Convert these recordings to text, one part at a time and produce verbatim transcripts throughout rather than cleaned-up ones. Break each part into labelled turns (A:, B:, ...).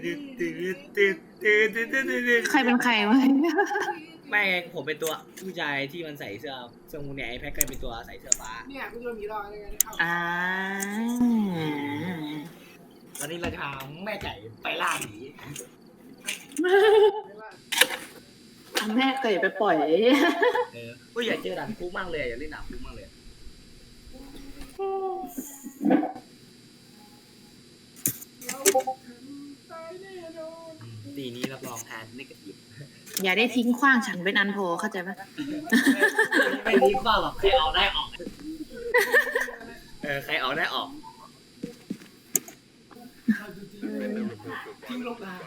A: ใครเป็นใครวะ
B: ไม่ไงผมเป็นตัวผู้ชายที่มันใส่เสื้อเสื้อมูเนี่ยไอ้แพ็คก็เป็นตัวใส่เสื้อฟ้า
C: เนี่ยกูโดนผีหลอกอะไรกัน
A: อ่า
B: ตอนนี้เราจะพาแม่ไก่ไปล่าผี
A: แม่เคยไปปล่อย
B: เออก็อยากเจอด่านคุกมากเลยอยากเล่นด่านคุกมากเลยตีนี้รับรองแทนไม่กระดิบ
A: อย่าได้ทิ้งขว้างฉันเป็นอันโพเข้าใจไหม
B: ไม่ทิ้งขว้างหรอกใครออกได้ออกเออใครออกได้ออก
C: ทิ้งลงมา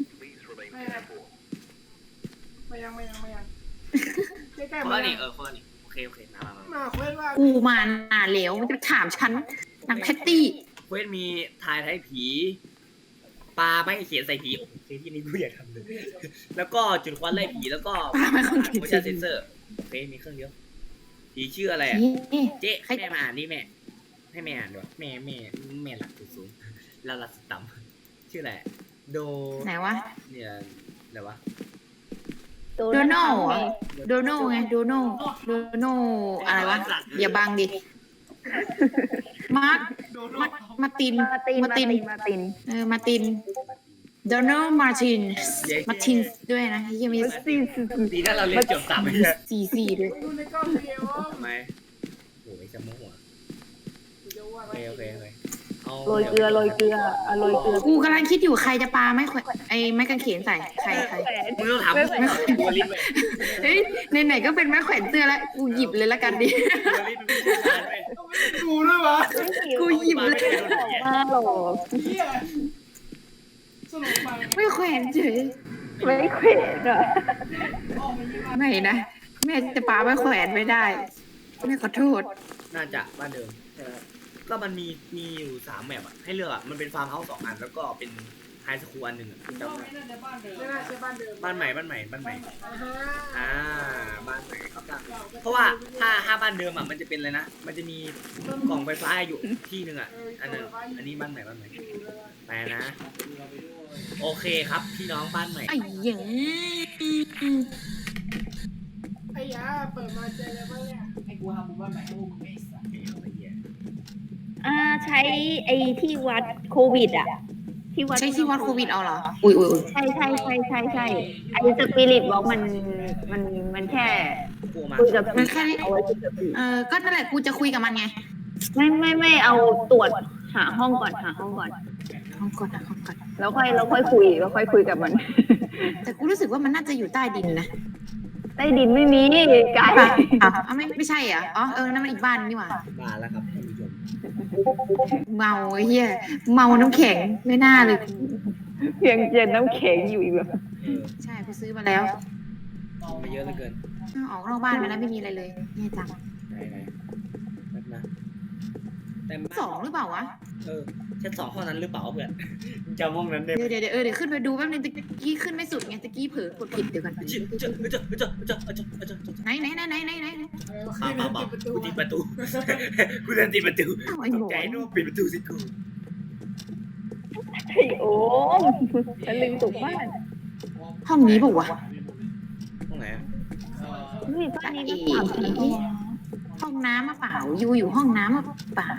C: ไม่ยังไม่ยังไม่ยังใกล้ๆ
B: ข้
C: มา
B: อนี้เออข้อนี้โอเคโอเคมามา
C: มาเควสว่า
A: กูมาหนาเหลวมันจะถามฉันนางแพตตี้
B: เควสมีทายไทยผีปลาไม่เขียนใส่ผีโอ้โหที่นี่กูอยากทำเลยแล้วก็จุดควันไล่ผีแล้วก็โมชั่นเซนเซอร์โอเคมีเครื่องเดียวผีชื่ออะไรอ่ะเจ๊ให้แม่มาอ่านนี่แม่ให้แม่อ่านด้วยแม่แม่แม่หลักสูงแล้วหลักต่ำชื่ออะไรโด
A: ไหนวะ
B: เนี่ยอะไรวะ
A: โดนัลโดนัลไงโดนัลโดนัลอะไรวะอย่าบังดิมาร์คมาติน
D: มาตินมาตินมาติน
A: เออมาตินโดนัลมาร์ตินมาตินด้วยนะยังมี
B: สี่ดีถ้าเราเรียนจบสามเลย
A: สี่สี่ด้วย
B: ทำไมโอ้ยจะโมโหโอเคโอเคโอเค
D: โรยเกลือโรยเกลืออโรยเกลือ
A: กูกำลังคิดอยู่ใครจะปาไม่ไอ้ไม้กางเขนใส่ใครใคร
B: มึงต้องถามตัวลิ้นเลย
A: เฮ้ยไหนๆก็เป็นไม้แขวนเสื้อแล้วกูหยิบเลยละกันดิ
C: กูด้วยวะ
A: กูหยิบเลย
D: มาหรอ
A: ไม่แขวนเฉย
D: ไม่แขวนอ่ะ
A: ไม่นะแม่จะปาไม่แขวนไม่ได้แม่ขอโทษ
B: น่าจะบ้านเดิมก็มันมีมีอยู่สามแมปอะให้เลือกอะมันเป็นฟาร์มเฮาส์สองอันแล้วก็เป็นไฮสคูลอันหนึ่งอะจำได้บ้านใหม่บ้านใหม่บ้านใหม่อ่าบ้านใหม่ครับเพราะว่าถ้าถ้าบ้านเดิมอะมันจะเป็นอะไรนะมันจะมีกล่องไฟฟ้าอยู่ที่หนึ่งอะอันนั้นอันนี้บ้านใหม่บ้านใหม่ไปนะโอเคครับพี่น้องบ้านใหม่
A: ไอ้ยัง
C: ไอ้ยาเปิดมาเจออะไรบ้างเนี่ยไอ้กูทำบุญบ้านใหม่ให้พวกมึงไม่สัก
D: อ่าใช้ไอ้ที่วัดโควิดอ่ะ
A: ที่วัดใช้ที่วัดโควิดเอาเหรออุ้ยอุ้ย
D: ใช่ใช่ใช่ใช่ใช่ไอ้สปิริตบอกมันมันมันแค่
A: คุยกับมันแค่เอาไว้เออก็นั่นแหละกูจะคุยกับมันไง
D: ไม่ไม่ไม่เอาตรวจหาห้องก่อนหาห้องก่อน
A: ห้องก่อนหาห้องก่อน
D: แล้วค่อยแล้วค่อยคุยแล้วค่อยคุยกับมัน
A: แต่กูรู้สึกว่ามันน่าจะอยู่ใต้ดินนะ
D: ใต้ดินไม่มีไกล
A: อ๋อไม่ไม่ใช่อ่ะอ๋อเออนั่นมันอีกบ้านนี่หว่า
B: บ้านแล้วครับท่านผู้ชม
A: เมาเฮียเมาน้ำแข็งไม่น่าเลย
D: เพียงเย็นน้ำแข็งอยู่อีกแบบ
A: ใช่กูซื้อมาแล้ว
B: ไปเยอะเหลือเกิน
A: ออกนอกบ้านมาแล้วไม่มีอะไรเลยแย่จัง
B: ไหนไหนแบบนะ
A: แต่สองหรือเปล่าวะ
B: เออชั้นสองห้องนั้นหรือเปล่าเพื่อนจำห้องนั้นได้
A: เดี๋ยวเดี๋ยวเออเดี๋ยวขึ้นไปดูแป๊บนึงตะกี้ขึ้นไม่สุดไงตะกี้เผลอกดผิดเดี๋ยวกัน
B: เจอเจอเจอเจอเจอเจอเจอ
A: ไหนไหนไหนไหนไหนไหน
B: ป่าป่าป่ากูติดประตูกูเดินติดประตูใจนู่นปิดประตูสิกู
D: ไอ้โอ้ฉันลืมตุกบ้าน
A: ห้องนี้ป่าวะ
B: ห้องไหนอ่ะ
D: นี่บ้านนี้
A: ห้องน้ำมาเปล่าอยู่อยู่ห้องน้ำมาเปล่า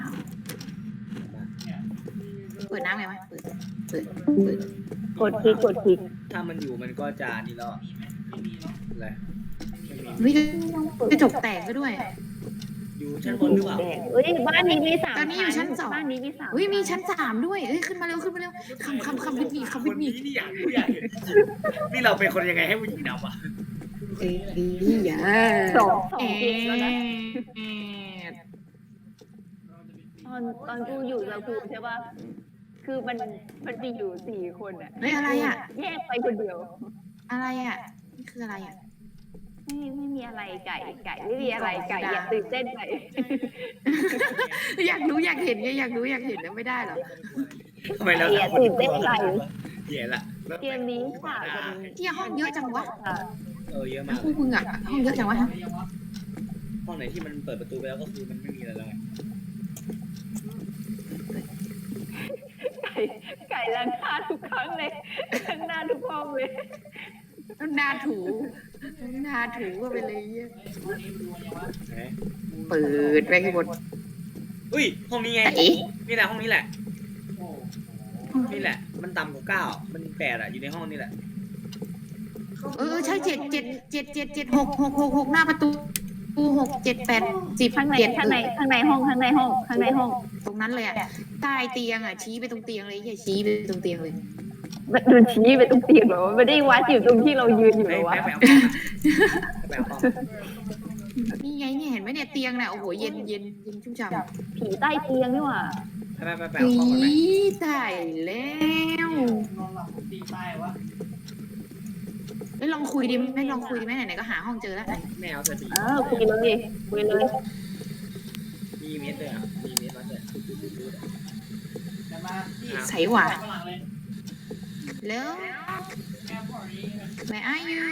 A: เปิดน้ำไงวะเปิดเปิดเปิด
D: กดคลิกกดคลิก
B: ถ้ามันอยู่มันก็จะนี่แล้วอะไร
A: วิกระจกแตกก็ด้วย
B: อยู่ชั้นบนหรือเปล่า
D: เฮ้ยบ้านนี้มีสาม
A: ตอนนี้อยู่ชั้นสอง
D: บ้านนี้มีสาม
A: เฮ้ยมีชั้นสามด้วยเฮ้ยขึ้นมาเร็วขึ้นมาเร็วคำคำคำวิทย์มีคำวิทย์มี
B: นี่อยากรู้อยากเห็นนี่เราเป็นคนยังไงให้ผู้หญิงดำอ่ะ
A: เอ้ยอย่า
D: สองสองแล้วนะตอนตอนกูอยู่กับกูใช่ป่ะคือมันมันมีอยู่สี่คนอ่ะ
A: เฮ้ยอะไรอ่ะ
D: แยกไปคนเดียว
A: อะไรอ่ะนี่คืออะไรอ่ะ
D: ไม่ไม่มีอะไรไก่ไก่ไม่มีอะไรไก่อย่าตื่นเต้นไป
A: อยากรู้อยากเห็นไงอยากรู้อยากเห็นแล้วไม่ได้หรอ
B: ทำไมเรา
D: ตื่นเต้นไป
B: เหี้ยละ
D: เกมนี้ค่ะ
A: ที่ห้องเยอะจังวะ
B: เออเยอะมาก
A: คู่มึงอ่ะห้องเยอะจังวะ
B: ห้องไหนที่มันเปิดประตูไปแล้วก็คือมันไม่มีอะไรแล้ว
D: ไก่ล้างหน้าทุกครั้งเลยล้างหน้าทุกห้องเลย
A: ต้องหน้าถูหน้าถูก็ไปเลยเหี้ย
B: ไหน
A: เปิดไปให้หมด
B: อุ้ยห้องนี้ไง
A: ไหน
B: นี่แหละห้องนี้แหละนี่แหละ มันต่ำกว่าเก้ามันแปดอะอยู่ในห้องนี้แหละ
A: เออใช่เจ็ดเจ็ดเจ็ดเจ็ดเจ็ดหกหกหกหกหน้าประตูตูหกเจ็ดแปดสิบ
D: ข้างใน
A: เจ็ด
D: ข้างในข้างในห้องข้างในห้องข้างในห้อง
A: ตรงนั้นเลยอ่ะใต้เตียงอ่ะชี้ไปตรงเตียงเลยอย่าชี้ไปตรงเตียงเลย
D: โดนชี้ไปตรงเตียงเหรอไม่ได้วัดอยู่ตรงที่เรายืนอยู่
B: ไป
D: เหรอวะ
B: ไปไปเอากล้องไปเอากล้อง
A: นี่ไงเนี่ยเห็นไหมเนี่ยเตียงน่ะโอ้โหเย็นเย็นเย็นชุ่มฉ่ำ
D: ผีใต้เตียงนี่หว่า
B: ไปไปไป
A: อี
B: เอากล้องก่อนไหม
A: ตายแล้ว
C: นอนหลับตีตายวะ
A: ไม่ลองคุยดิไม่ลองคุยดิไหมไหนๆก็หาห้องเจอแล้วไหน
B: ไม่เอาเสร็จ
D: เออคุยเลยคุยเลย
B: มีเมสเลยอ่ะมีเมสมาเลย
C: จะมาที่
A: ใส่หว่า
C: ฝรั่งเลย
A: แล้ว
C: แอร์พอร์ตนี้
A: where are you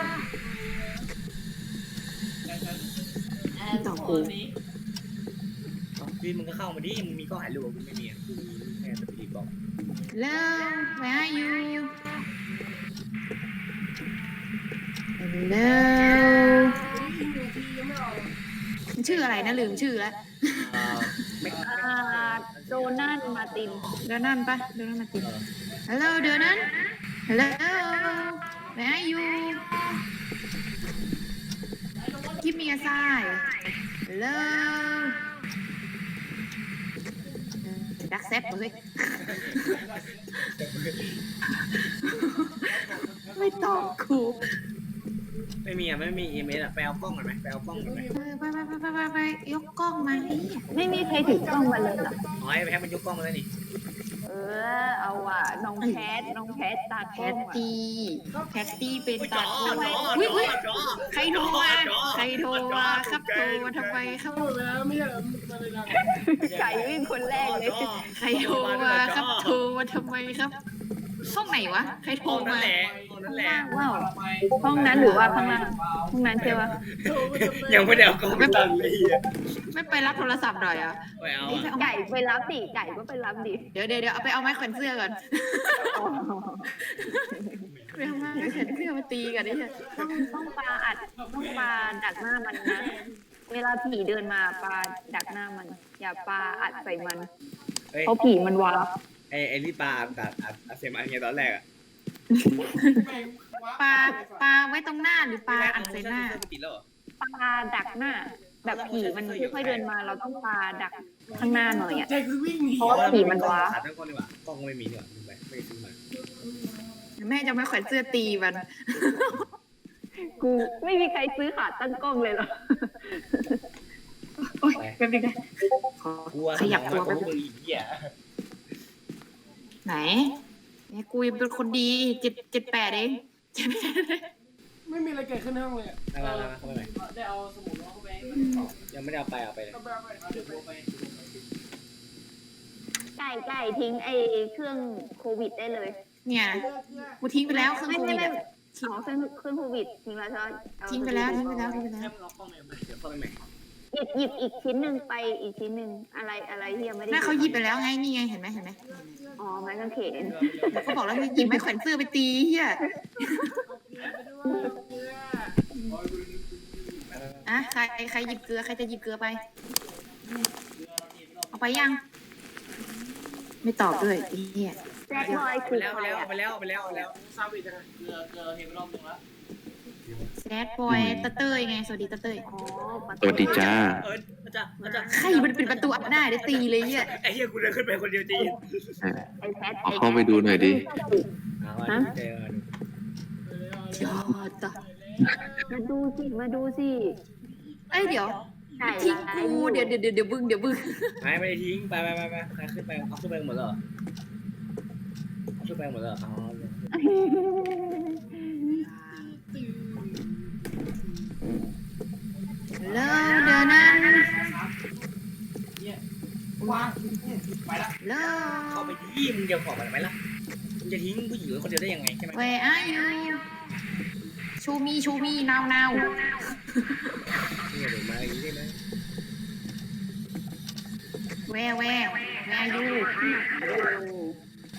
C: แอร์พอร์ตนี้
B: พี่มึงก็เข้ามาดิมึงมีกล้องถ่ายรูปกูไม่มีกูมีแค่สปีดบอก
A: แล้ว where are you แล้ว
C: อีกหนึ่งทียังไม่ออก
A: มันชื่ออะไรนะลืมชื่อแล้ว
B: เอ่อไม่
D: อ่าโดนัทมาติน
A: เดยวนั่นปะเดยวนั่นมาติด hello เดยวนั่น hello where are you give me a sign hello ดักแซบเลยไม่ตอบครู
B: ไม่มีอ่ะไม่มีเอเมสอ่ะไปเอากล้องก่อนไหมไปเอากล้องก่อนไหม
A: เออไปไปไปไปไปไปยกกล้องมาดิ
D: ไม่มีใครถือกล้องมาเลยเหรอ
B: อ๋อไอ้แพ็คมันยกกล้องมาแล้วนี่
D: เออเอาว่ะน้องแคทน้องแคทตา
A: แพ
D: แคท
A: ตตี้แพตตี้เป็น
B: จ
A: ตา
B: อ
A: โก
B: จอ
A: อุ๊ยอุ๊ย
B: จอ
A: ใครโทรมาใครโทรมาครับโทรมาทำไมครับ
C: พูดไปแล้วไม่ใช่เหรอมาเลยนะ
D: ไก่วิ่งคนแรกเลย
A: ใครโทรมาครับโทรมาทำไมครับห้องไหนวะใครโทร
B: ห้องนั่
A: มาน
B: แหละห้องนั่นแหละ
D: ว้าวห้องนั้นหรือว่าข้างล่างห้องนั้นใช่ปะ
B: ยังไม่ได้เอากล้องไปตั้งเลยอ่ะ
A: ไม่ไปรับโทรศัพท์หน่อยอ่ะ
B: ไปเอา
A: เอ้ยไปเอา
D: ไก่ไปรับดิไก่ก็ไปรับดิ
A: เดี๋ยวเดี๋ยวเดี๋ยวเอาไปเอาไม้แขวนเสื้อก่อนไปเอาไม้แขวนเสื้อมาตีกันดิ
D: ต้องต้องปลาอัดต้องปลาดักหน้ามันนะ เวลาผีเดินมาปลาดักหน้ามัน อย่าปลาอัดใส่มัน
B: เฮ้ย
D: เพราะผีมันวาร์ป
B: ไอ้ไอ้ที่ปลาตัดอัดอัดเซมอันเนี้ยตอนแรกอ่ะ
A: ปลาปลาไว้ตรงหน้าหรือปลาอัดใส่หน้า
B: ติดแล้วเหรอ
D: ปลาดักหน้า แบบผีมันค่อยๆเดินมา เราต้องปลาดักข้างหน้าหน่อยอ่ะ
C: ใจคือวิ่งหนี
D: เพราะว่าผีมันวาร์ป
B: ขาดทั้งก้อนดีกว่ากล้องไม่มีดีกว่าลืมไปไม่ได้ซื้อมา
A: แม่จะไม่แขวนเสื้อตีมัน
D: กูไม่มีใครซื้อขาตั้งกล้องเลยเหรอ
A: โอ๊ยแป๊บนึงนะขอ
B: กลัว
A: ขยับตัว
B: ไป
A: แป๊บ
B: พวก
A: นึ
B: มึ
A: ง
B: งอีกเหี้ย
A: ไหนเนี่ยกูยังเป็นคนดีเจ็ดเจ็ดแปดเองเจ็ดแปด
C: ไม่มีอะไรเกิดขึ้นในห้องเลย
B: มามามาเข้าไปใหม่
C: ได้เอาสมุดเข้าไป
B: ยังไม่ได้เอาไปเอาไปเลย
C: เข้าไปเอาไปเดี๋ยวไป
D: ไก่ไก่ทิ้งไอ้เครื่องโควิดได้เลย
A: เนี่ยกูทิ้งไปแล้วเครื่อง
D: ไม่
A: โค
D: ไม่
A: วิด
D: ไม่
A: อะ
D: เอาเครื่องเครื่องโควิดทิ้งแล้วใช่ไหมเอา
A: ทิ้งไปแล้วทิ้งไปแล้วทิ้งไปแล้ว
B: แค่มึงเอากล้องใหม่มาเดี๋ยวเข้าไปใหม่
D: หยิบหยิบอีกชิ้นหนึ่งไปอีกชิ้นหนึ่งอะไรอะไรที่ยังไม่ได้
A: แม่เขาหยิบไปแล้วไงนี่ไงเห็นไหมเห็นไหม
D: อ๋อไม้กางเขน
A: เขาบอกแล้วให้หยิบไม้แขวนเสื้อไปตีเฮียอ่ะใครใครหยิบเกลือใครจะหยิบเกลือไป เอาไปยัง ไม่ตอบด้วยไอ้เฮีย
D: แจ็คบอย
B: ไป
D: คือ
B: แล้ว
D: ใค
B: ไป
D: ร
B: แล้ว
D: อ่ะ
B: ไปแล้วไปแล้วไปแล้ว
C: ซาวิดนะเกลือเกลือเห็นไปรอบนึงแล้ว
A: แซดบอยตะเต้ยไงสวัสดีตะเต้ย
D: อ๋อ
E: สวัสดีจ้า
B: เอออาจารย์อาจารย์
A: ใครมันเป็นประตูอับหน้าได้ตีเลยเฮีย
B: ไอ้เหี้ยกูเดินขึ้นไปคนเดียวจริง
D: ไอ้แพท
E: เอาเข้าไปดูหน่อยดิ
B: เอาอันนี้เจอ
A: ยอดต่อ
D: มาดูสิมาดูสิ
A: เอ้ยเดี๋ยว
D: ไก่
A: ทิ้ง
D: ร้าย
A: กูเดี๋ยวเดี๋ยวเดี๋ยวเดี๋ยวบึ้งเดี๋ยวบึ้ง
B: ไม่ไม่ได้ทิ้งไปไปไปไปใครขึ้นไปเอาขึ้นไปหมดแล้วเหรอเอาขึ้นไปหมดแล้วเหรออ๋อ
A: แล้วเดี๋ยวนั้น
C: วางไปละ
A: แล้ว
B: เข้าไปยี่มึงเดียวของมันไหมล่ะมึงจะทิ้งผู้หญิงไว้คนเดียวได้ยังไงใช่ไหม
A: Where are you Show me show me now now
B: เนี่ยเดี๋ยวมาอย่างนี้ได้ไหม
A: Where where Where are you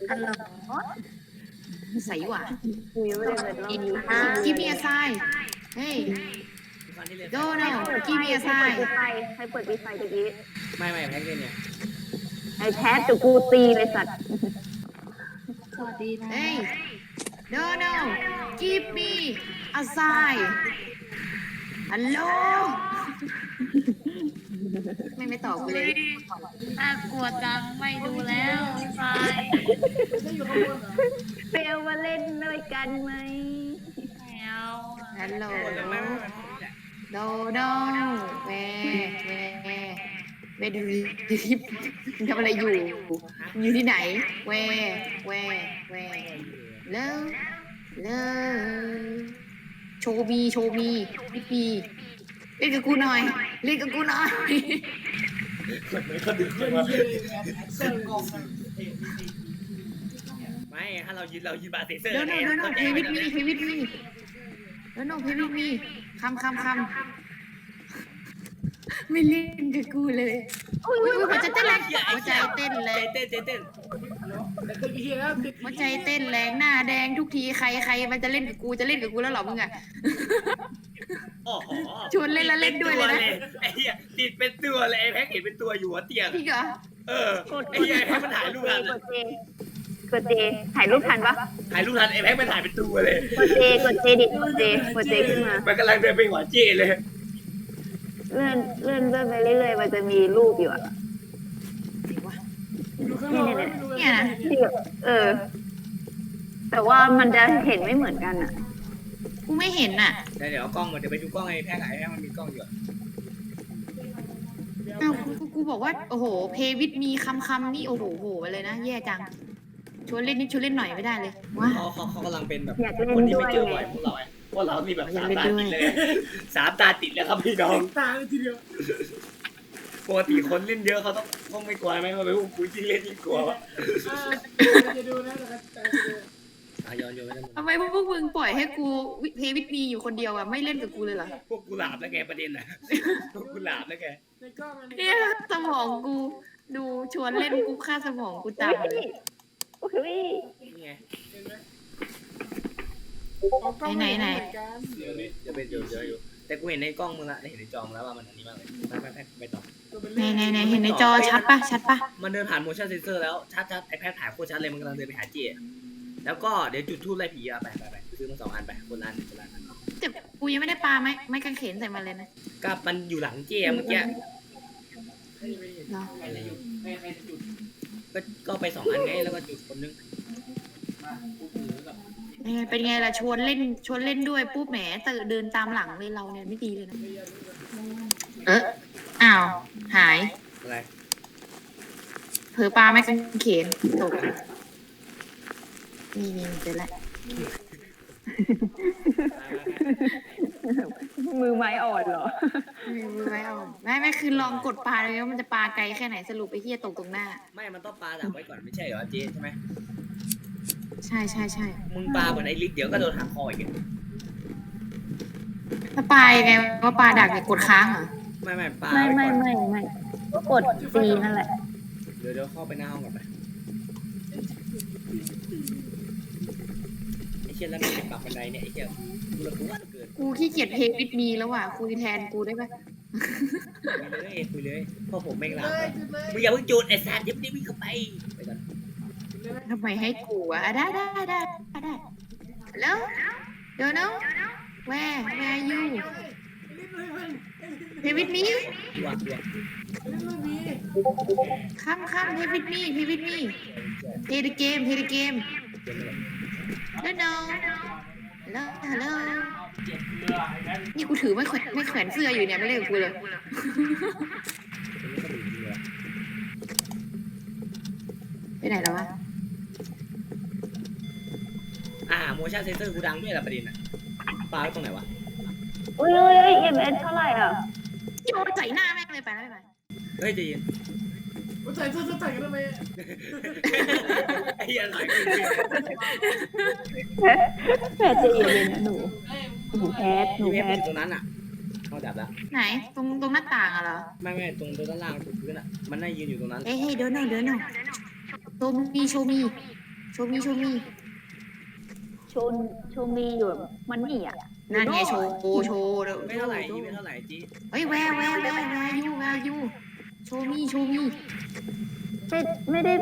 D: ฮัลโหล
A: ใส่หว่า
D: คุยไม่ได้เปิดรอบนี้
A: กิมเมียไซเฮ้ย
B: ทุกครั้งที่เล่น
A: โดนัลกิมเมียไซ
D: ใครเปิดวีไฟตะกี้
B: ไม่ไม่แพ็กเล่นเนี่ย
D: ไอ้แพทเดี๋ยวกูตีเลยสัตว์
C: สวัสดีนะ
A: เฮ้ยโดนัลกิมมีอาไซฮัลโหลไม่ไม่ตอบกูเลย
D: น่ากลัวจังไม่ดูแล้วไป
C: ไม่อยู่ข้างบนเหรอ
D: เปลวมาเล่นด้วยกันไหมไม่เอา
A: ฮัลโหล
B: ไม่ไม่ไม่ไม่
A: โดนัลเวเวเวดูดิทำอะไรอยู่ อยู่ที่ไหน เวเวเวเลิฟเลิฟโชว์มีโชว์มีพี่ปีเล่นกับกูหน่อย เล่นกับกูหน่อย
B: ไม่เขาดึง
C: เย็นเย็นแอคเซลงง
B: ไม่ถ้าเรายืนเรายืนบาร์เซเซอร์
A: โดนัลโดนัลเพวิดมีเพวิดมีโดนัลเพวิดมีคำคำคำไม่เล่นกับกูเลยอุ้ยอุ้ยหัวใจเต้นแรงหัวใจเต้นแร
B: เต้
A: ง
B: นเต้นเต้น
C: แต่ติดเฮียแล้วติด
A: หัวใจเต้นแรงหน้าแดงทุกทีใครใครมันจะเล่นกับกูจะเล่นกับกูแล้วเหรอมึงอะ
B: โอ้โห
A: ชวนเล่นแล้วเล่นด้วยเลยนะ
B: ไอ้เหี้ยติดเป็นตัวเลยไอ้แพ็กเห็นเป็นตัวอยู่หัวเตียง
A: จริงเหรอ
B: เออไอ้เหี้ยไอ้แพ็กมันถ่ายรูปทัน
D: กดเจกดเจถ่ายรูปทันปะ
B: ถ่ายรูปทันไอ้แพ็กมันถ่ายเป็นตัวเลย
D: กดเจกดเจดิกดเจกดเจขึ้นมา
B: มันกำลังเดินไปหัวเจเลย
D: เลื่อนเลื่อนเลื่อนไปเรื่อยๆมันจะมีรูปอยู่อะ
A: จริงวะ
C: ดูข้างนอกไม่ดู
A: เนี่ยนะ
D: ที่แบบเออ แต่ว่ามันจะเห็นไม่เหมือนกันอะ
A: กูไม่เห็นอ่ะ
B: เดี๋ยวเดี๋ยวเอากล้องมาเดี๋ยวไปดูกล้องไอ้แพ็กไอ้แพ็กมันมีกล้องอยู่อะ
A: อ้าวกูกูกูบอกว่าโอ้โหเพวิดมีคำคำนี่โอ้โหโหไปเลยนะแย่จังชวนเล่นนิดชวนเล่นหน่อยไม่ได้เลยว้า
B: เขาเขาเขากำลังเป็นแบบ
D: อยากเล่น
B: คนที่
D: ด้ว
B: ไม่
D: ย
B: เจอ
D: ไง
B: บ่อยพวกเราไอ้พวกเรานี่แบบ
A: อยา
B: สาก ม
A: เล่น
B: ตา
A: ด้วย
B: ติดเลยสามตาติดแล้วครับพี่น้อง
C: ตาเลยทีเดียว
B: ปกติคนเล่นเยอะเขาต้องต้องไม่กลัวไหมว่าไปพวกกูยิ่งเล่นยิ่งกลัววะ
C: จะดูนะแต่แต่จะดู
B: อ่ะย้อนย้อนไม่ได้หมด
A: ทำไมพวกมึงปล่อยให้กูเพวิดมีอยู่คนเดียวอ่ะไม่เล่นกับกูเลยเหรอ
B: พวกกูหลาบแล้วแกประเด็นน่ะพวกกูหลาบแล้วแก
C: ในกล้องมัน
A: เนี่ยสมองกูดูชวนเล่นกูค่าสมองกูต่ำเลย
D: อุ้ย
B: นี่ไง
C: เห็นไหมเอากล้องเหมือนกัน
B: เดี๋ยวนี้เดี๋ยวไปเดี๋ยวเดี๋ยวอยู่แต่กูเห็นในกล้องมึงละเห็นในจอมงแล้วว่ามันอันนี้มากเลยไปไปไปไปต่อ
A: ไหนไหนไหนเห็นในจอชัดปะชัดปะ
B: มันเดินผ่าน motion sensor แล้วชัดชัดไอแพดถ่ายโคตรชัดเลยมันกำลังเดินไปหาเจแล้วก็เดี๋ยวจุดทูบไล่ผีอะไปไปไปซื้อมาสองอันไปคนละอันคนละอัน
A: แต่กูยังไม่ได้ปาไม้ไม้กางเขนใส่มันเลยนะ
B: ก็มันอยู่หลังเจเมื่อกี้
A: เหรอ
B: ก็ก็ไปสองอันไงแล้วก็จุดคนนึง
A: เป็นไงเป็นไงล่ะชวนเล่นชวนเล่นด้วยปุ๊บแหมเตอเดินตามหลังเลยเราเนี่ยไม่ดีเลยนะเอออ้าวหาย
B: อะไร
A: เผลอปลาไม้กางเขนตกนี่นี่เจอแล้ว
D: มือไม้อ่อนเหรอ
A: ไม่เอาไม่ไม่คือลองกดปลาเลยว่ามันจะปลาไกลแค่ไหนสรุปไปเฮียตกตรงหน้า
B: ไม่มันต้องปลาดักไว้ก่อนไม่ใช่เหรอเจใช่ไหม
A: ใช่ใช่ใช่
B: มึงปลาเหมือนไอ้ลิศเดี๋ยวก็โดนหักคออีก
A: ถ้าปลายังไงว่าปลาดักเนี่ยกดค้างเหรอ
B: ไม่ไม่ปลา
D: ไม่
B: ไว้
D: ไม่
B: ก่อน
D: ไม่ไม่ก็กดซีนั่นแหละ
B: เดี๋ยวเดี๋ยวเข้าไปหน้าห้องก่อนไปไอ้เชี่ยแล้วมันปรับบันไดเนี่ยไอ้เชี่ยกูระกูว่าเกิน
A: กูขี้เกียจเพย์วิดมีแล้วว่ะคุยแทนกูได้ปะ
B: คุยเลยคุยเลยเพราะผมแม่งลา
C: เลยจุดเลย
B: มึงอย่าเพิ่งจูดไอ้สัตว์เดี๋ยวมึงวิ่งเข้าไปไปก่อน
A: ทำไมให้กูอ่ะอ่ะได้ได้ได้ได้แล้วเดี๋ยวนะแวร์แวร์ยูเพย์วิดมี
B: ตัวตัว
C: เล่นไม่มี
A: ข้ามข้ามเพย์วิดมีเพย์วิดมีเพย์เดเกมเพย์เดเกมเดี๋ยวนะแล้วฮัลโหลนี่กูถือไม่แขวนไม่แขวนเสื้ออยู่เนี่ยไม่เล่นกับกูเลยไปไหนแล้ววะ
B: อ่า motion sensor กูดังด้วยละประเด็นอ่ะปลาไว้ตรงไหนวะ
D: อุ้ยอุ้ยเอ็มเอสเท่าไหร่อ่ะ
A: โยนใส่หน้าแม่งเลยไปแล้วไป
B: เฮ้ยใจเย็น
C: ว่าใส่เสื้อใส่กันทำไม
B: ไอ้เหี้ยหน่อยกู
D: แพทจะเย็นๆนะหนูหนูแพทหนู
B: พี่
D: แพ
B: เอฟ
D: ท
B: ตรงนั้นอ่ะเข้าจับแล้ว
A: ไหนตรงตรงหน้าต่างอะเหรอ
B: ไม่ไม่ตรงด้านล่างตรงพื้นอ่ะมันน่ายืนอยู่ตรงนั้น
A: เฮ้ยเฮ้ยเดินหน่อยเดินหน่อยโชว์มีโชว์มีโชว์มีโชว์มี
D: โชนโชมีอยู่มันนี่อ่ะ
A: นั่นไงโชว์โชว์เดี๋ยว
B: ไม่เท่าไหร่จีไม่เท่าไหร่จี
A: เฮ้ยแวร์แวร์แวร์แวร์ยูแวร์ยูโชว์มีโชว์มี
D: ไม่ไม่ได้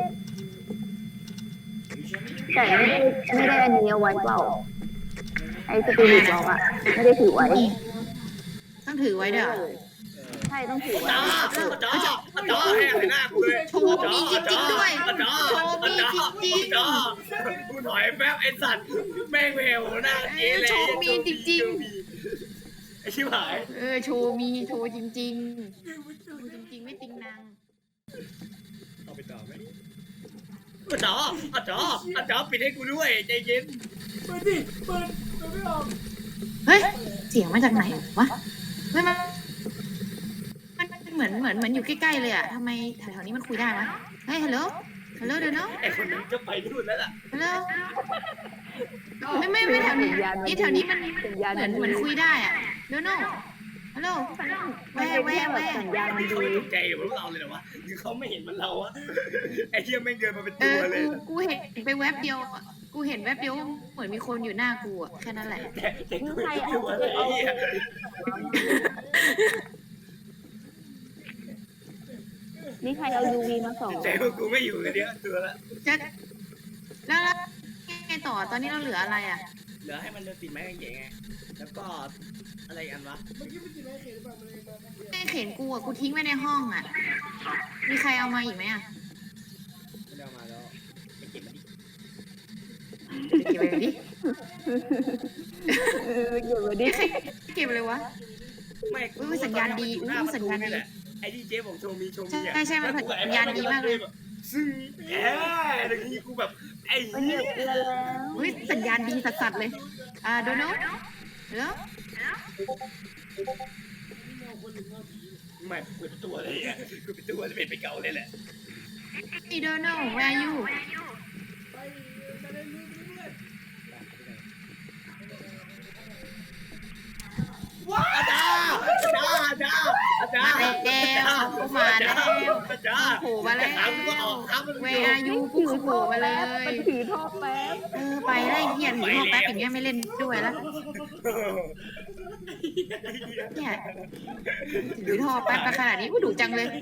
D: แต่ไม่ได้ไม่ได้อันนี้เอาไว้เปล่าไอ้สปิริตบอกอ่ะไม่ได้ถือไว้
A: ต้องถือไว้เด้อ
D: ใช่ต้องถือไว้
B: จ้าจ้าจ้าแห้งเลยหน้ากูเลย
A: โชว์มีจริงๆด้วย
B: จ้า
A: โชว์มีจริงๆ
B: จ้ากูถอยแป๊บไอ้สัตว์แม่งเวลหน้าเจ๊เลย
A: โชว์มีจริง
B: ไอ้ชิบหาย
A: เออโชว์มีโชว์จริงๆโชว์จริงๆไม่ติงนาง
B: เอาไปต่อไหมจ้าจ้าจ้าปิดให้กูด้วยใจเย็น
C: เปิดดิเปิดเปิดไม่ออก
A: เฮ้ยเสียงมาจากไหนวะเฮ้ยมันมันเหมือนเหมือนเหมือนอยู่ใกล้ๆเลยอะทำไมแถวๆนี้มันคุยได้วะเฮ้ยฮัลโหลฮัลโหลเดี๋ยวนะ
B: ไอ้คนนั้นจะไปนู่นแล้วล่ะ
A: ฮัลโหลไม่ไม่ไม่แถวนี้นี่แถวนี้มัน
D: สัญญาณ
A: เหมือนเหมือนคุยได้อะเดี๋ยวนะฮัลโหล
D: มันเป็นแค่แบบสัญญาณ
B: นี่
D: ดี
B: เขาไม่ตกใจกับพวกเราเลยเหรอวะหรือเขาไม่เห็นมันเราวะไอ้เหี้ยแม่งเดินมาเป็น
A: เอ
B: ตัว
A: อ
B: เลย
A: กูกูเห็นไปแวบเดียวอะกูเห็นแวบเดียวเหมือนมีคนอยู่หน้ากูอะแค่นั้นแหละ
B: แต่แต่กูไม่รู้อะไรไอ้เหี้ย
D: นี่ใครเอายูวีมาส่อง
B: ใจพวกกูไม่อยู่เลยเนี่ยตัวละ
A: จะแล้วแล้วไงต่อตอนนี้เราเหลืออะไรอะ
B: เหลือให้มันเดินติดไม้กางเขนไงแล้วก็อะไรอันวะ
C: เมื่อกี้มันจิตไม่เขียนแบบมันเลยมาแป๊บเดียว
A: แม่เข็นกูอะกูทิ้งไว้ในห้องอะมีใครเอามาอีกไหมอะ
B: ไม่ได้เอามาแล้วไปเก็บมันดิ
A: เก็บไว้ดิ
D: เอออยู่มาดิ
A: เก็บเลยวะ
B: ไม่
A: อุ๊ยสัญญาณดีอุ๊ยสัญญาณดี
B: ไอ้ที่เจ๊บอกโชว์มีโชว์มีอ่ะ
A: ใช่ใช่มันสัญญาณดีมากเลย
B: ซึ่งแหมอะไรนี้กูแบบไอ้
D: มันเห
B: เหี้
D: ยี
B: ย
D: ยบเรือแล้ว
A: เฮ้ยสัญญาณดีสัสๆเลยอ่าโดนัลแล้ว
B: ไม่กูเป็นตัวเลยอ่ะกูเป็นตัวจะเป็นไปเก่าเลยแหละ
A: นี่โดนัล where are you
C: ไปจะได้รู้ไปเรื่อย
B: อาจารย์อาจารย์อาจารย์อาจาร
A: มา
B: ย์
A: แล้วเขามาแล้ว
B: อาจารย์
A: โผล่มาแล้ว
B: ถามก็ออกครับมัน
A: where are you กูโผล่มาเลย
D: มันถือท่อแป๊บ
A: เออไปได้เฮียถือพ่อแป๊บอย่างเงี้ยไม่เล่นด้วยแล้วเนี่ยถือท่อแป๊บมาขนาดนี้กูดุจังเลย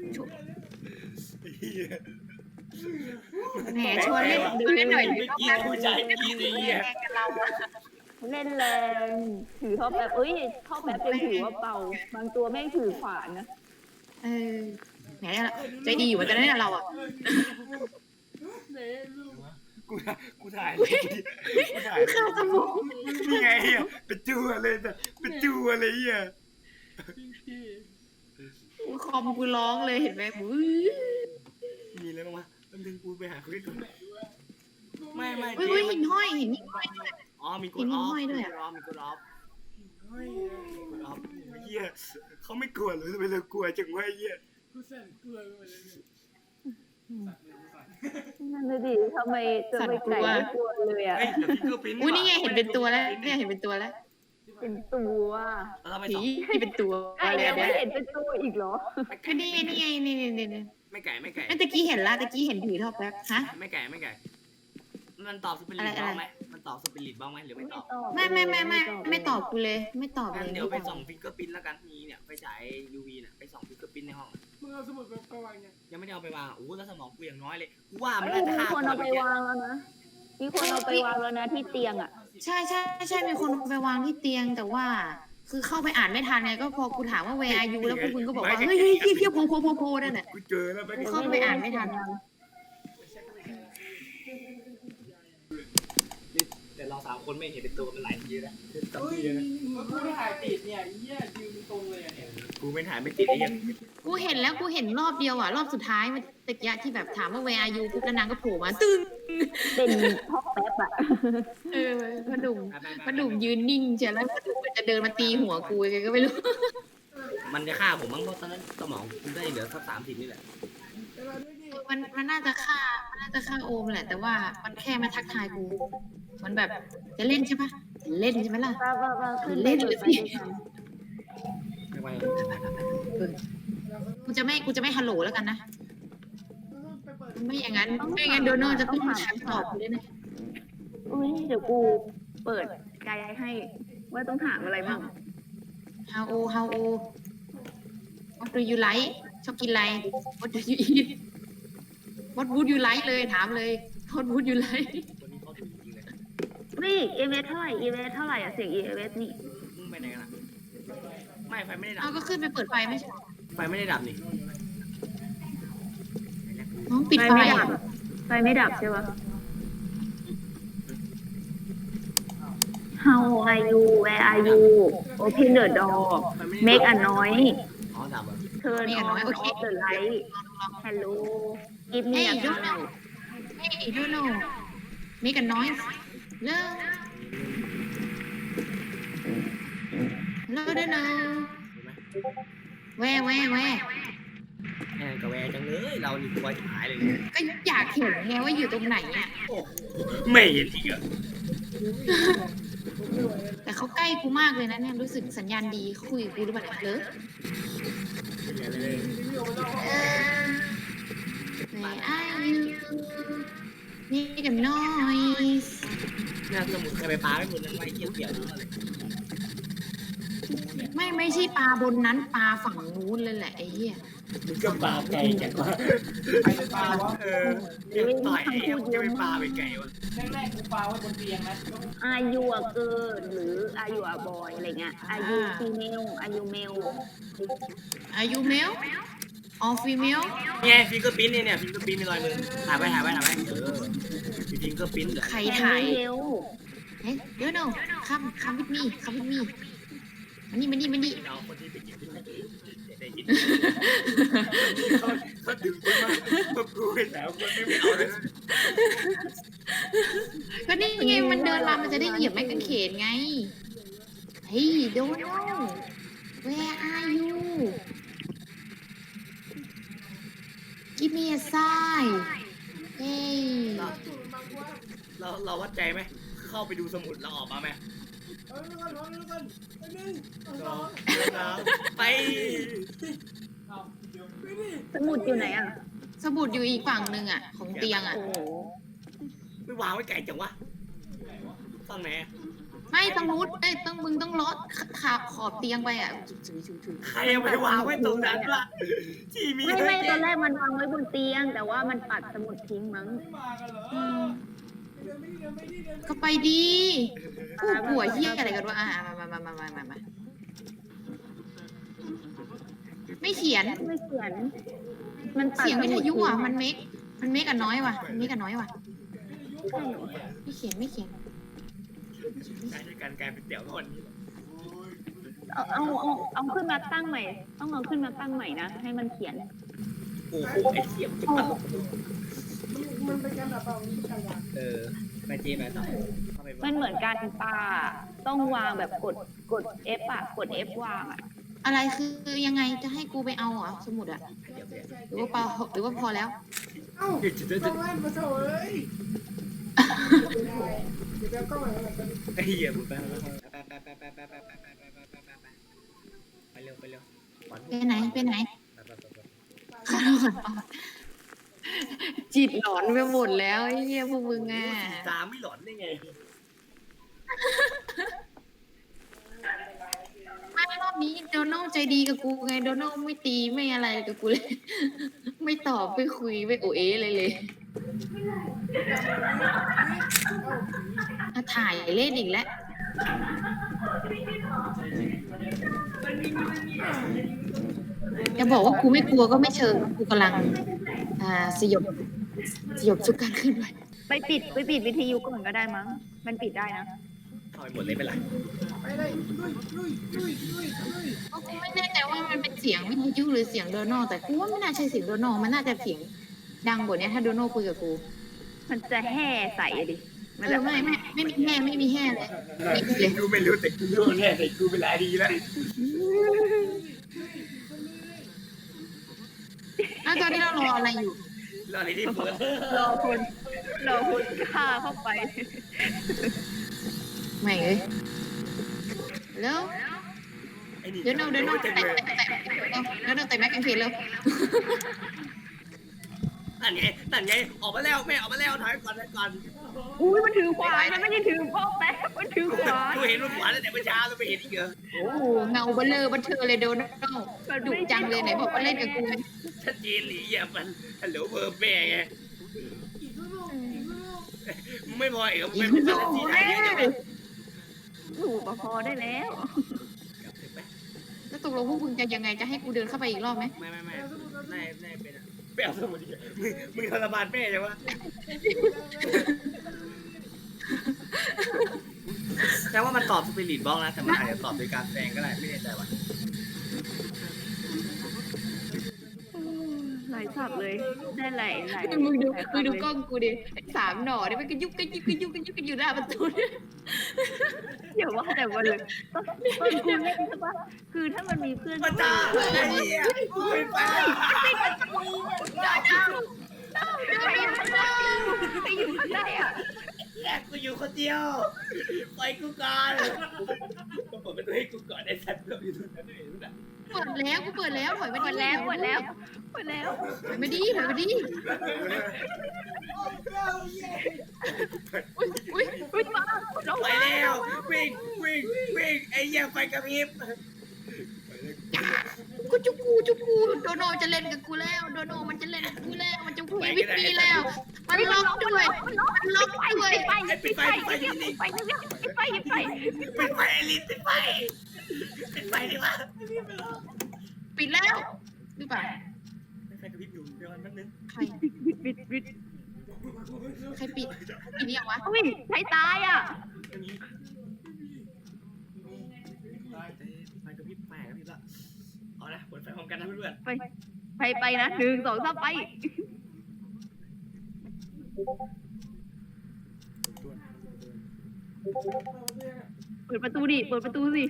A: แหมชวนเล่นเล่นหน่อยถือท่อแป๊บ
B: กูใจกินไอ้เหี้ย
A: กันเราอะ
D: เล่นแรงถือท่อแป๊บเอ้ยท่อแป๊บยังถือว่าเบาบางตัวแม่งถือขวานนะ
A: เออแหมใจดีอยู่เหมือนกันนะเนี่ยเราอ่ะ
C: ไหนลูก
B: กูกูถ่ายกูถ่าย
A: เข้าสมอง
B: นี่ไงเหี้ยเป็นตัวเลยแต่เป็นตัวเลยเหี้ย
C: พี่พี่
A: กูคอมกูร้องเลยเห็นไหมอุ้ย
B: มีอะไรบ้างวะมันดึงกูไปหาคุยก่อนไม่ไม่
A: อุ้ย
B: เจ๊
A: อุ้ย
B: มั
A: หิ
B: น
A: นห้อยหินนี่ห้อยด้วย
B: อ๋อมีก
A: หิ
B: ด
A: น
B: ออฟ
A: ห้อยด้วย
B: มี
A: อะ
B: กดออฟมีกดออฟ
C: เฮ้ย
B: กดออฟเหี้ยเขาไม่กลัวเลยทำไมเรากลัวจังวะเหี้ย
C: กูสั่นกลัวไปเลยเนี่ยสั่นเลยสั่น
D: นั่นเลยดิทำไมจะไปไก่ไม่กลัวเลยอ่ะ
B: เฮ้ยเดี๋ยวพี่ก็ปิ้น
A: อุ้ยนี่ไงเห็นเป็นตัวแล้วเนี่ยเห็นเป็นตัวแล้ว
D: เป็นตัว
B: เราไป
A: ผี
B: สอง
A: ที่เป็นตัว
D: ไอ้
A: อะไร
D: ยังไม่
A: เนี่ย
D: เห็นเป็นตัวอีกเหรอ
B: ไม่ไก่
A: ก็นี่ไงนี่ไงนี่นี่นี่นี่
B: ไม่ไก่ไม่ไก่
A: เอ้ยตะกี้เห็นละตะกี้เห็นถือท่อแป๊บฮะ
B: ไม่ไก่ไม่ไก่มันตอบสปิริตบ้างไหมมันตอบสปิริตบ้างไหมหรือไม่ตอบ
A: ไม่ไม่ไม่ไม่ไม่ตอบกูเลย ไม่ตอบเล
B: งั้น
A: ย
B: เดี๋ยวไปส่องฟิงเกอร์ปิ้นแล้วกันมีเนี่ยไปฉาย ยู วี น่ะไปส่องฟิงเกอร์ปิ้นในห้อง
C: มึงเอาสมุดไปไปวางยัง
B: ยังไม่ได้เอาไปวางโอ้แล้วสมองกูอย่างน้อยเลยกูว่ามัน
D: เอ้ย
B: น่าจะ
D: มี
B: ฆ่า
D: คนเอาไป
B: กู
D: วางแล้วนะ มีคนเอาไปวางแล้วนะที่เตียงอ่ะ
A: ใช่ใช่ใช่มีคนเอาไปวางที่เตียงแต่ว่า คือเข้าไปอ่านไม่ทันไงก็พอกูถามว่า where are you แล้วพวกมึงก็บอกว่าเฮ้ยเฮ้ยเพี้ยเพี้ยโพโพโพโพนั่นน่ะ
B: กูเจอแล้วไป
A: เข้าไปอ่านไม่ทัน
B: แต่เราสามคนไม่เห็นเป็นตัวมันหลายทีแล้ว
C: เฮ้ยมึงกูไม่ถ่ายติดเนี่ยเหี้ยยืนตรงเลยอ่ะเนี่ย
B: กูไม่ถ่ายไม่ติดไอ้ยัง
A: กูเห็นแล้วกูเห็นรอบเดียวอ่ะรอบสุดท้ายมันตะกี้ที่แบบถามว่า where are you ปุ๊บแล้วนางก็โผล่มาตึ้ง
D: เป็นท่อแป๊บอ่ะ
A: เออพนุ่มพนุ่มยืนนิ่งเชียวแล้วพนุ่มมันจะเดินมาตีหัวกูยังไงก็ไม่รู้
B: มันจะฆ่าผมมั้งเพราะตอนนั้นสมองกูได้เหลือสักสามสิบนี่แหละ
C: ไปวางด้วยดิ
A: มันมันน่าจะฆ่ามันน่าจะฆ่าโอมแหละแต่ว่ามันแค่มาทักทายกู มันแบบจะเล่นใช่ปะจะเล่นใช่ไหมล่ะ
D: ป้าป้าป้าขึ้น
A: เล่นเลยสิ
B: ไม่ไหว
A: กูจะไม่กูจะไม่ฮัลโหลแล้วกันนะ
C: มึงต้องไปเปิด
A: ไม่อย่างนั้นไม่งั้นโดนัลด์จะต้องมาชั้นตอบเลยนะ
D: อุ้ยเดี๋ยวกูเปิดไกด์ให้ว่าต้องถามอะไรบ้าง
A: how old how old what do you like ชอบกินอะไร what do you eat what would you like เลยถามเลย what would you like
B: คนนี้เขาถึงจริงเลย
D: นี่เอเวเท่าไหร่เอเวเท่าไหร่อะเสียงเอเวนี่
B: มึงไปไหนกันอ่ะไม่ไฟไม่ได้ดั
A: เอา
B: บ
A: ก็ขึ้นไปเปิดไฟไม่ใช่
B: ไฟไม่ได้ดับนี่
A: น้องปิดไฟ
D: ไม่ดับไฟไม่ดับใช่ปะ How are you Where are you Open the door Make a noise
B: อ๋อดับอ่ะ
D: Turn on off the light Hello Give me a call
A: เฮ้ยโดนัลด์ make a noise เลิกเลิกโดนัลด์แวแวแว
B: แอนกับแวร์จังเลยเรานี่ตัวจะหายเลยเนี่ย
A: ก็อยากเห็นไงว่าอยู่ตรงไหนอ่ะ
B: โอ้ไม่เห็นอีกอ่ะ
A: แต่เขาใกล้กูมากเลยนะเนี่ยรู้สึกสัญญาณดีเขาคุยกับกูหรือเปล่าเนี่ยเลิก Where are you make a noise
B: เนี่ยสมุนเคยไปปาไม่หมดนั้นไว้เกี่ยวเกี่ยวอะไร
A: ไม่ไม่ใช่ปลาบนนั้นปลาฝั่งนู้นเลยแหละไอ้เหี้ย
B: มึงก็ปาไก่จังวะ
C: ใครจะปลาวะ
B: เออยังต่อยไอ้เหี้ยมึงจะไปปาไปไก่วะ
C: แรกๆกูปลาไว้บนเตียงนะ
D: Are you a girl หรือ Are you a boy อะไรเงี้ย Are you female Are you male
A: Are you male or female
B: เนี่ยฟิงเกอร์ปิ้นเนี่ยเนี่ยฟิงเกอร์ปิ้นมีรอยมือถ่ายไว้ถ่ายไว้ถ่ายไว้เออมีฟิงเกอร์ปิ้นเหรอ
A: ใคร
D: Can
A: ถ่าย
D: you help
A: เฮ้ยเดี๋ยวโน่คัมคัมวิดมี่คัมวิดมี่มานี่มานี่มานี่
B: เอาคนที่ไปเก็บที่ไหนได้ยินเขาเขาดึงขึ้นมาพวกกูไปแล้วคนไม่เอาเลย
A: ก็นี่ไงมันเดินมามันจะได้เหยียบไม้กางเขนไงเฮ้ยโดนัล where are you give me a sign เฮ้ย
B: เราเราวัดใจไหมเข้าไปดูสมุดเราออกมาไหม
C: เออแล้วกันแล้วกันไปหนึ่งสอง
B: ไป
C: เอาเดี๋ยวไปดิ
D: สมุดอยู่ไหนอ่ะ
A: สมุดอยู่อีกฝั่งหนึ่งอ่ะ ของเตียงอ่ะ
D: โอ้โห
B: ไม่วางไว้ไก่จังวะฟังไหน
A: ไม่ต้องนู้ดเอ้ยต้องมึงต้องลดขาขอบเตียงไปอ่ะจุ๊จุ๊จุ๊
B: ใครเอาไปวางไว้ตรงนั้นวะที่มี
D: ไม่ไม่ตอนแรกมันวางไว้บนเตียง แต่ว่ามันปัดสมุดทิ้งมั้ง
C: ไม่มากันเหรอ
A: อืม
C: เดินไม่ดีเดินไม่ดีเดินไม่ดี
A: ก็ไปดีผู้ป่วยเฮียอะไรกันวะอ่ะมามามามามามามาไม่เขียน
D: ไม่เขียน มันปัด
A: เสียงวิทยุอ่ะ
D: ส
A: มันเมกมันเมกอันน้อยว่ะมันเมกอันน้อยว่ะ
D: ใช่
A: ไม่เขียนไม่เขียน
B: ใช้การกลายเป็นเตี่ยวคนนี้
D: เอาเอาเอาเอาขึ้นมาตั้งใหม่ ต้องเอาขึ้นมาตั้งใหม่นะ ให้มันเขียน
B: โอ้โหไอ้เสียมจะตลก
C: มันเป็นการแบบเอานี้กันละ
B: เออไปเจไปต่อเข้าไป
D: มันเหมือนการปาต้องวางแบบกดกด F อ่ะ กด F วางอ่ะ
A: อะไรคือยังไงจะให้กูไปเอาเหรอสมุดอ่ะ
B: เดี๋ยวเดี๋ยว
A: หรือว่าเปล่าหรือว่าพอแล้ว
C: เอ้า
B: เดี๋ยวจะ
C: ต้องเล่นมาเถอะเอ้ยเดี๋ยวเอากล้องมาแล้วกัน
B: ไอ้เหี้ยมึงไปไปไปไปไปไปไปไปไปไปไปไปไปไปเร็วไปเร็ว
A: ไปไหนไปไหน
B: ไปไปไป
A: ขอโทษจิตหลอนไปหมดแล้วไอ้เหี้ยพวกมึงอ่ะ
B: ตาไม่หลอนได้ไง
A: ไม่รอบนี้โดนัลใจดีกับกูไงโดนัลไม่ตีไม่อะไรกับกูเลย ไม่ตอบไม่คุยไม่โอเอเลยเลยอ่ะถ่ายเล่นอีกแล้วจะบอกว่ากูไม่กลัวก็ไม่เชิงกูกำลังอ่าสยบสยบทุกการเคลื่อนไหว
D: ไปปิดไปปิดวิทยุก่อนก็ได้มั้ง มันปิดได้นะ
B: เข้าไปหมดเลยเป็นไร
C: ไปเลยลุยลุยลุยลุยลุย
A: เพราะกูไม่แน่ใจว่ามันเป็นเสียงวิทยุหรือเสียงโดนัลแต่กูว่าไม่น่าใช่เสียงโดนัลมันน่าจะเสียงดังกว่านี้ถ้าโดนัลคุยกับกู
D: มันจะแห่ใส่อะดิ มัน
A: เอ
D: จะ
A: อไม่ไม่ไม่มีแห่ไม่มีแห่เลยปิดเลย
B: กูไม่รู้แต่กูรู้แน่แต่กูเป็นไรดีแล้ว
A: แล้วตอนนี้เรารออะไรอยู่
B: รออะไรที่เปิด
D: รอคนรอคนฆ่าเข้าไป
A: ไม่เอ้ยแล้ว
B: ไอ้นี่
A: เดี๋ยวโนเดี๋ยวโน
B: จะ
A: แต่
B: เลย
A: แต่แต่เดี๋ยวโนแต่แม็กกันเขียนแล้ว
B: นั่นไงนั่นไงออกมาแล้วแม่ออกมาแล้วถอยก่อนถอยก่อน
D: อุ้ยมันถือขวานมันไม่ได้ถือพ่อแป๊บมันถือขวาน
B: กูเห็นมันขวานตั้งแต่เมื่อเช้าแล้วไปเห็นอีกเหรอ
A: โอ้โหเงาเบลเลอร์บันเทอเลยโดนัลด์ดุจังเลยไหนบอกว่าเล่นกับกูไง
B: ชัดเจนหรืออย่ามันฮัลโหลเบอร์แม่ไง
C: อีกลูกอีกลูก
B: ไม่พอเอกมันเป็นอะไรที่ไหนเยอะจังเลย
D: หนูก็พอได้แล้ว
A: แล้วตกลงพวกมึงจะยังไงจะให้กูเดินเข้าไปอีกรอบไหม
B: ไม่ไม่ไม่นายนายเป็นอะไปเอาสมุดดิมึงมึงทรมานแม่ใช่ปะแต่ว่ามันตอบสปิริตบล็อกนะแต่มันอาจจะตอบโดยการแซงก็ได้ไม่แน่ใจว่ะ
D: หลายสับเลยได้หลายหลาย
A: มึงดูมึงดูกล้องกูดิสามหน่อเนี่ยมันกระยุกกระยุกกระยุกกระยุกกันอยู่หน้าประตูเนี่ย
D: อย่าว่าแต่วันเลยตอนตอนคุณเล่นใช่ปะคือถ้ามันมีเพื่อน
B: มาจ้าไอ้เหี้ยไม่ไป
D: ไปอยู่ข้างในอ่ะ
B: แยกกูอยู่คนเดียวปล่อยกูก่อนก็เปิดประตูให้กูก่อนไอ้สัตว์เราอยู่ตรงนั้นเห็นไหม
A: เปิดแล้วกูเปิดแล้วถอยไป
D: หมดแล้วหมดแล้วหมดแล้ว
A: ถอยมาดิถอยมาดิอุ้ยอุ้ย
D: วิ่งมาเรา
B: ไปแล้ววิ่งวิ่งวิ่งไอ้เหี้ยไฟกระพริบ
A: กูจุกกูจุกกูโดโนจะเล่นกับกูแล้วโดโนมันจะเล่นกับกูแล้วมันจะคุยวิปีแล้วมันล็อกด้วยมันล็อกด้วย
D: ไปปิดไฟปิดไฟปิดไฟปิดไฟปิดไฟ
B: ปิดไฟไอ้ลิ้นปิดไฟปิดไฟดิวะ
A: ปิดแล้วหรือเปล่า
B: ไฟกระพริบอยู่เดี๋ยวแป๊บนึง
A: ใคร
D: ปิดปิดปิด
A: ใครปิดปิดนี่ยังวะ
D: อุ้ยใครตายอ่ะ
B: อันนี้ไฟกระพริบไฟกระพริบละเอาละเปิดไฟพร้อมกันนะเพื่อน
D: ไปไปไปนะหนึ่งสองสามไปเปิดประตูดิเปิดประตูสิ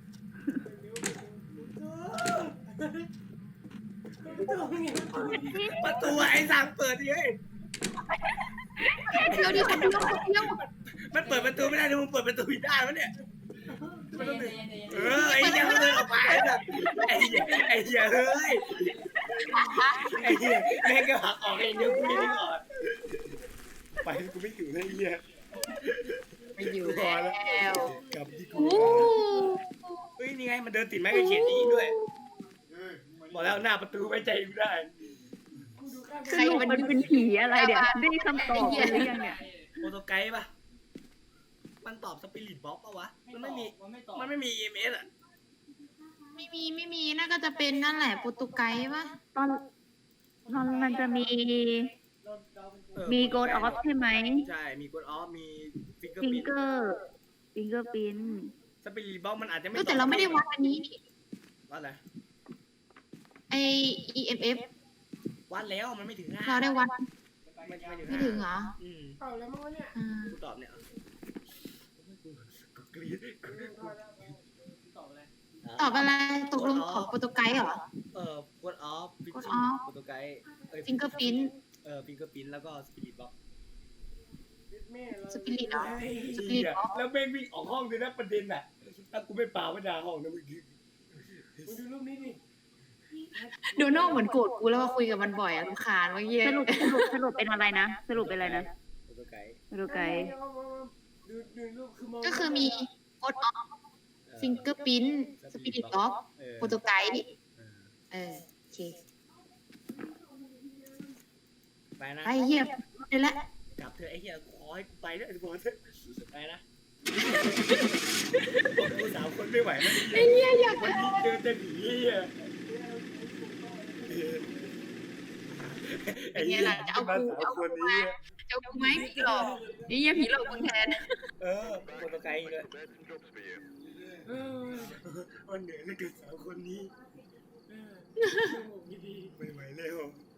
B: ประตูไอ้สั่งเปิดดิเฮ้ย
A: เดียวดิคนเดียวคนเดียว
B: มันเปิดประตูไม่ได้ดูมึงเปิดประตูได้ปะเนี่ยเออไอ้เหี้ยมันเดินออกมาไอ้เหี้ยไอ้เหี้ยเฮ้ยไอ้เหี้ยแม่งก็หักออกเองเดี๋ยวกูไม่ได้ออกไปกูไม่อยู่เลยไอ้เหี้ย
A: ไปอยู่แล้ว
B: กลับที่กู
A: โอ้
B: เฮ้ยนี่ไงมันเดินติดไม้กางเขนนี้ด้วยบอกแล้วหน้าประตูไว้ใจกูได้
D: สรุปมันเป็นผีอะไรเดี๋ยวได้คำตอบกันหรือยังเนี่ย
B: โปรโตไกด์ปะมันตอบสปิริตบล็อกปะวะมันไม่มีมันไม่มี อี เอ็ม เอส อ่ะ
A: ไม่มีไม่มีน่าก็จะเป็นนั่นแหละโปรตุไกส์ปะ
D: ตอนตอนมันจะมีมีโกดออฟใช่ไหม
B: ใช่มีกดออฟมีฟิงเกอร์
D: ฟิง
B: ปิน
D: เกอร์ฟิงเกอร์ปิน
B: สปิริตบล็อกมันอาจจะไม่
A: ก็แต่เราไม่ได้วัดอันนี้นี่
B: วัดอะไร
A: ไอ อี เอ็ม เอฟ
B: วัดแล้วมันไม่ถึงห้า
A: เราได้วัด
B: ไม่ไม่ถึง
A: ไม่
B: ห้า
A: ถึงเหรอ
B: อืม
C: เป่าแล้วมั้งเนี่ย
A: อ่า
B: กูตอบเนี่ยกูกรี๊ด
A: ตอบอะไรตกลงของโปรตุไกส์เหรอ
B: เออกดออฟฟิช
A: Code
B: ชิ่ง
A: off
B: โปรโตไกด์เอ้ย
A: Fingerprint
B: เออฟิงเกอร์พินแล้วก็สปิริตบล็อก
A: สปิริตเหรอ สปิริตบล็อก
B: แล้วแม่งวิ่งออกห้องเลยนะประเด็นอ่ะถ้ากูไม่ป่าไม่ด่าห้องนะมึง
C: มึงดูรูปนี้ดิ
A: โดนัลด์เหมือนโกรธกูแล้วว่าคุยกับมันบ่อยอะรำคาญว่าเยี่ย
D: สรุปสรุปสรุปเป็นอะไรนะ สรุปเป็นอะไรนะ
B: โปรโตไกด์
D: สรุปไกด์
C: ดูดูรูปคือมอง
A: ก็คือมีโคดออฟฟิงเกอร์พิ้นสปิริตบ็อก
B: เออ
A: โปรตุไกส์
B: เออ
A: เออโอเค
B: ไปนะ
A: ไปเยี่ยมเลยละ
B: กลับเถอะไอ้เหี้ยขอให้กูไปด้วยไอ้บอลเถอะไปนะกูสามคนไม่ไหวแล้ว
A: ไอ้เยี่ยอยาก
B: วันนี้เจอแต่ผีเหี้ย
A: ไอ้เยี่ยหลังจะเอากูจะเอากูมาจะเอากูไหมผีหลอกไอ้เยี่ยผีหลอกมึงแทน
B: เออโปรโตไกด์เลย
C: เออ
B: วันเหนื่อยเหลือเกินสามคนนี้
C: เออดี
B: ไม่ไหวแล้ว
C: ๆ